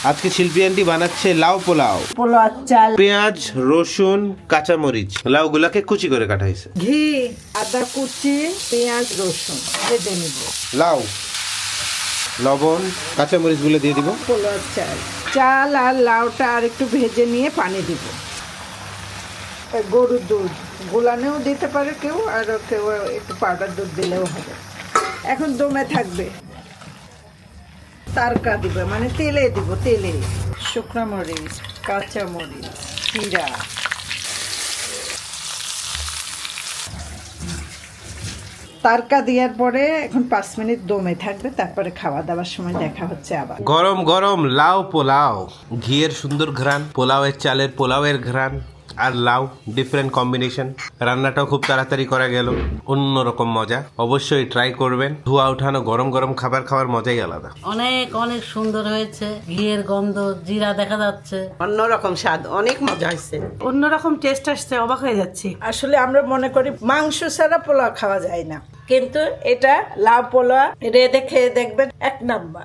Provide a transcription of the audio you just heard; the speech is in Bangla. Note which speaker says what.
Speaker 1: আজকে শিল্পী আন্টি বানাচ্ছে লাউ পোলাও।
Speaker 2: পোলাও চাল,
Speaker 1: পেঁয়াজ, রসুন, কাঁচামরিচ, লাউগুলাকে কুচি করে কাটা হয়েছে।
Speaker 2: ঘি, আদা কুচি, পেঁয়াজ, রসুন ভেজে নিব।
Speaker 1: লাউ, লবণ, কাঁচামরিচ গুলো দিয়ে দিব।
Speaker 2: পোলাও চাল, চাল আর লাউটা আর একটু ভেজে নিয়ে পানি দিব। গরুর দুধ গোলানেও দিতে পারে কেউ, আর কেউ একটু পাউডার দুধ দিলেও হবে। এখন দমে থাকবে। তারকা দিবে, মানে তেলে দিব, তেলে শুকনো মরিচ, কাঁচা মরিচ, জিরা, তারকা দেওয়ার পরে এখন 5 মিনিট দমে থাকবে, তারপরে খাওয়া দাওয়ার সময় দেখা হচ্ছে আবার।
Speaker 1: গরম গরম লাউ পোলাও, ঘিয়ের সুন্দর ঘ্রাণ, পোলাওয়ের চালের পোলাওয়ের ঘ্রাণ আর লাউ, ডিফারেন্ট কম্বিনেশন। রান্নাটাও খুব তাড়াতাড়ি করা গেল, অন্যরকম মজা। অবশ্যই ট্রাই করবেন। ধোয়া উঠানো গরম গরম খাবার খাওয়ার মজাই আলাদা।
Speaker 3: অনেক অনেক সুন্দর হয়েছে, ঘিয়ের গন্ধ, জিরা দেখা যাচ্ছে,
Speaker 4: অন্যরকম স্বাদ, অনেক মজা হয়েছে, অন্যরকম টেস্ট আসছে, অবাক হয়ে যাচ্ছি।
Speaker 2: আসলে আমরা মনে করি মাংস ছাড়া পোলাও খাওয়া যায় না,
Speaker 4: কিন্তু
Speaker 2: এটা লাউ পোলাও রেঁধে খেয়ে দেখবেন 1 নাম্বার।